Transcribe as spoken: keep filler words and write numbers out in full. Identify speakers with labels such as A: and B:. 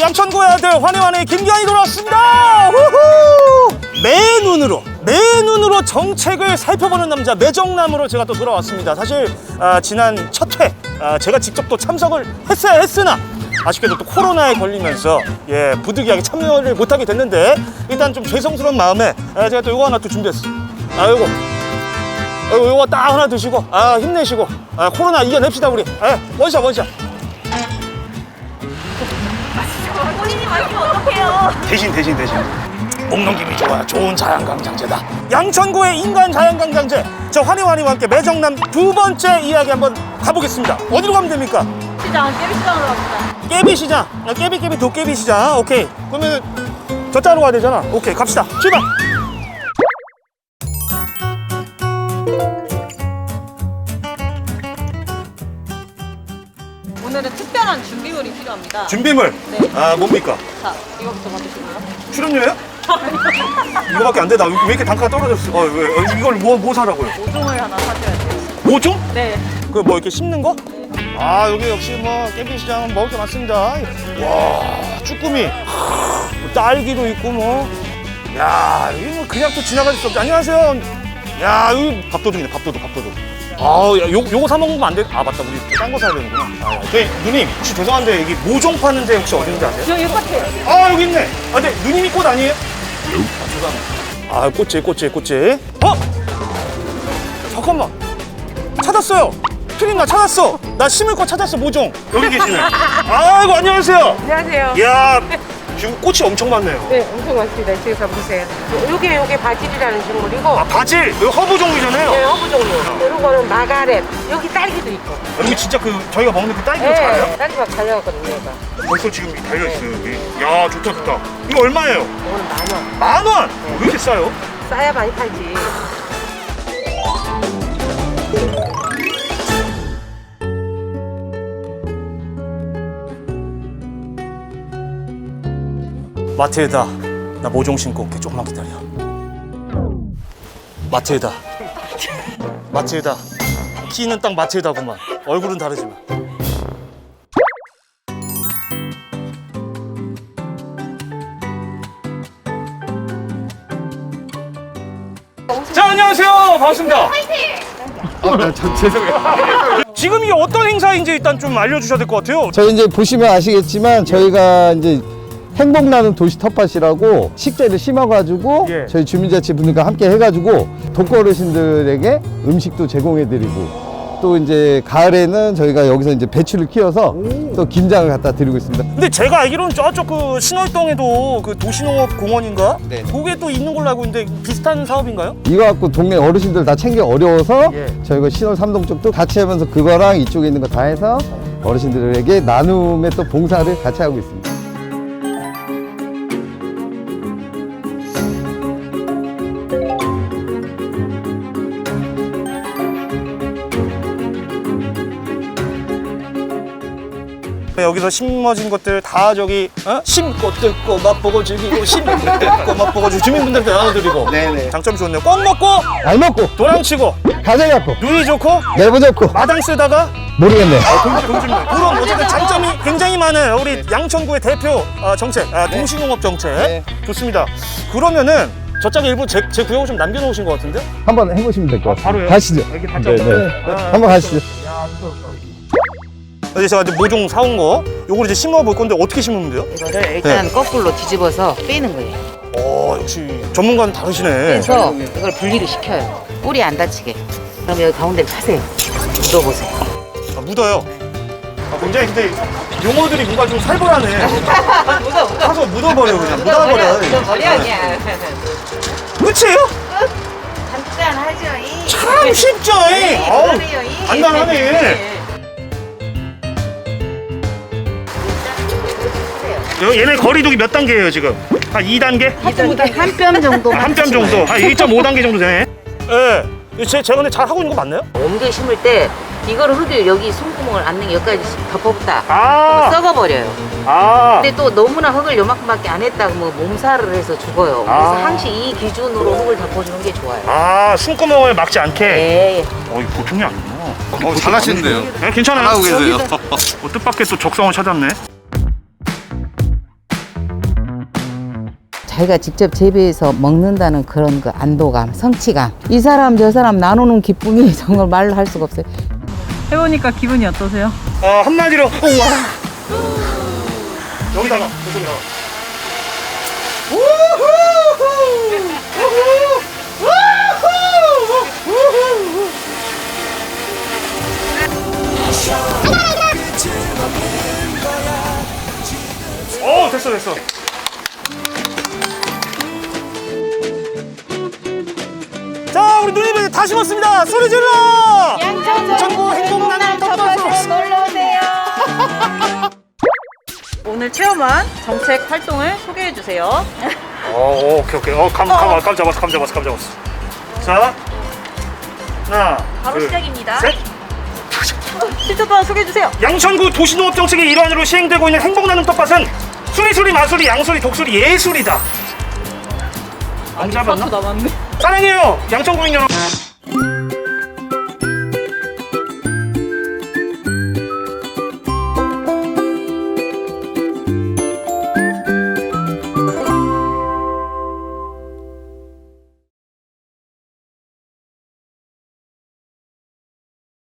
A: 양천구의 아들 환희환희 김기환이 돌아왔습니다. 후후! 매 눈으로 매 눈으로 정책을 살펴보는 남자 매정남으로 제가 또 돌아왔습니다. 사실 아, 지난 첫 회 아, 제가 직접 또 참석을 했어야 했으나 아쉽게도 또 코로나에 걸리면서 예 부득이하게 참여를 못하게 됐는데 일단 좀 죄송스러운 마음에 아, 제가 또 요거 하나 또 준비했어요. 아 요거 요거, 요거 딱 하나 드시고 아 힘내시고 아, 코로나 이겨냅시다 우리. 아, 원샷 원샷.
B: 본인이 마시면 어떡해요?
A: 대신 대신 대신 목넘김이 좋아 좋은 자연강장제다. 양천구의 인간 자연강장제 저 환희환희와 함께 매정남 두 번째 이야기 한번 가보겠습니다. 어디로 가면 됩니까?
B: 시장, 깨비시장으로 갑시다.
A: 깨비시장. 아, 깨비깨비 도깨비시장. 오케이 그러면 저 자로 가야 되잖아. 오케이 갑시다. 출발.
B: 오늘은 특별한 준비물이 필요합니다.
A: 준비물.
B: 네.
A: 아 뭡니까?
B: 자, 이거부터 받으시고요.
A: 출연료요? 이거밖에 안 되나? 왜 이렇게 단가가 떨어졌어? 어, 왜? 어, 이걸 뭐, 뭐 사라고요?
B: 오종을 하나 사줘야 돼요.
A: 오종?
B: 네.
A: 그 뭐 이렇게 씹는 거? 아 여기 역시 뭐 깨비시장은 먹을 게 많습니다. 와 쭈꾸미, 뭐 딸기도 있고 뭐. 야 여기 뭐 그냥 또 지나갈 수 없지. 안녕하세요. 야 여기 밥도둑이네 밥도둑 밥도둑. 아 야, 요, 요거 사 먹으면 안 돼. 아 맞다 우리 딴 거 사야 되는구나. 아, 저희 누님 혹시 죄송한데 여기 모종 파는 데 혹시 어딘지 아세요?
B: 여기 똑같아요.
A: 아 여기 있네. 아 근데 누님이 꽃 아니에요? 아 죄송합니다. 아 꽃이 꽃이 꽃이. 어? 잠깐만. 찾았어요. 피린 나 찾았어. 나 심을 거 찾았어 모종. 여기 계시네. 아이고 안녕하세요.
C: 안녕하세요.
A: 이야 지금 꽃이 엄청 많네요.
C: 네, 엄청 많습니다. 지금 보세요. 요게 요게 바질이라는 식물이고,
A: 아 바질 이거 허브 종류잖아요.
C: 네, 허브 종류. 요거는 마가렛. 여기 딸기도 있고.
A: 여기 진짜 그 저희가 먹는 그 딸기도
C: 네,
A: 잘해요?
C: 딸기가 잘 나왔거든요, 얘가.
A: 벌써 지금 달려 있어요 여기. 야 좋다 좋다. 이거 얼마예요?
C: 이거는 만 원.
A: 만 원. 왜 이렇게 싸요?
C: 싸야 많이 팔지.
A: 마트에다 나 모종 신고 올게. 조금만 기다려. 마트에다 마트에다 키는 딱 마트에다구만. 얼굴은 다르지만. 자 안녕하세요 반갑습니다.
D: 아, 네, 저, 죄송해요.
A: 지금 이게 어떤 행사인지 일단 좀 알려주셔야 될 것 같아요.
D: 저희 이제 보시면 아시겠지만 저희가 이제 행복나는 도시 텃밭이라고 식재를 심어가지고
A: 예.
D: 저희 주민자치분들과 함께 해가지고 독거 어르신들에게 음식도 제공해드리고 또 이제 가을에는 저희가 여기서 이제 배추를 키워서 또 김장을 갖다 드리고 있습니다.
A: 근데 제가 알기로는 저쪽 그 신월동에도 그 도시농업공원인가?
D: 네.
A: 그게 또 있는 걸로 알고 있는데 비슷한 사업인가요?
D: 이거 갖고 동네 어르신들 다 챙기 어려워서
A: 예.
D: 저희가 신월 삼동 쪽도 같이 하면서 그거랑 이쪽에 있는 거 다 해서 어르신들에게 나눔의 또 봉사를 같이 하고 있습니다.
A: 여기서 심어진 것들 다 저기 어? 심고 뜯고 맛보고 즐기고 심고 뜯고 맛보고 즐기고 주민분들한테 나눠드리고.
D: 네네.
A: 장점이 좋네요. 껌 먹고
D: 알 먹고
A: 도랑치고
D: 가재 갖고
A: 누이 좋고
D: 내부 좋고
A: 마당 쓰다가
D: 모르겠네.
A: 그런 어쨌든 장점이 굉장히 많아요. 우리 양천구의 대표 어, 정책 아, 도시농업 정책.
D: 네.
A: 좋습니다. 그러면은 저짝에 일부 제, 제 구역을 좀 남겨놓으신 것 같은데?
D: 한번 해보시면 될 것 같아요.
A: 바로요?
D: 가시죠.
A: 이렇게 다
D: 네,
A: 짜고.
D: 네.
A: 아,
D: 한번 가시죠.
A: 이제 제가 이제 모종 사온 거 요걸 이제 심어 볼 건데 어떻게 심으면 돼요?
E: 이거를 일단 거꾸로 뒤집어서 빼는 거예요.
A: 어 역시 전문가는 다르시네.
E: 그래서 이걸 분리를 시켜요. 뿌리 안 다치게. 그럼 여기 가운데를 파세요. 묻어보세요.
A: 아, 묻어요. 아, 굉장히 근데 용어들이 뭔가 좀 살벌하네.
E: 묻어, 묻어.
A: 가서 묻어버려 그냥 묻어버려.
E: 묻어버려, 그냥.
A: 끝이에요?
E: 간단하죠, 이.
A: 참 쉽죠. 이. 어우,
E: 그러네요, 이.
A: 간단하네. 여- 얘네 거리두기 몇 단계예요 지금? 한 이 단계?
E: 한 뼘 정도.
A: 한 뼘 정도? 한 일 점 오 단계 정도 되네. 예. 네. 제, 제가 근데 잘 하고 있는 거 맞나요?
E: 옮겨 심을 때 이거를 흙을 여기 손구멍을 안 넣는 여기까지 덮어붙다.
A: 아.
E: 썩어버려요.
A: 아.
E: 근데 또 너무나 흙을 요만큼밖에 안 했다고 뭐 몸살을 해서 죽어요. 그래서
A: 아.
E: 항시 이 기준으로 흙을 덮어주는 게 좋아요.
A: 아, 숨구멍을 막지 않게.
E: 네.
A: 어, 이거 보통이 아니구나.
F: 어, 잘하시는데요.
A: 네, 괜찮아요.
F: 잘하고 계세요.
A: 어, 뜻밖의 또 적성을 찾았네.
E: 자기가 직접 재배해서 먹는다는 그런 그 안도감, 성취감. 이 사람 저 사람 나누는 기쁨이 정말 말로 할 수가 없어요.
B: 해보니까 기분이 어떠세요?
A: 어, 한마디로 우와. 여기다가 여기다가. 우후! 우후! 우후! 어, 됐어 됐어. 자, 우리 누님이 다 심었습니다. 소리 질러! 양천구 행복나는 텃밭으로
B: 놀러오세요. 오늘 체험한 정책 활동을 소개해 주세요.
A: 어, 오케이 오케이. 어, 감, 감, 감 잡았어, 감 잡았어, 감 잡았어. 자, 하나,
B: 바로
A: 둘,
B: 시작입니다.
A: 셋.
B: 실전 동안 소개해 주세요.
A: 양천구 도시농업 정책의 일환으로 시행되고 있는 행복나눔 텃밭은 수리수리, 마수리, 양수리, 독수리, 예술이다. 안 잡았나?
B: 남았네.
A: 사랑해요, 양천구민 여러분.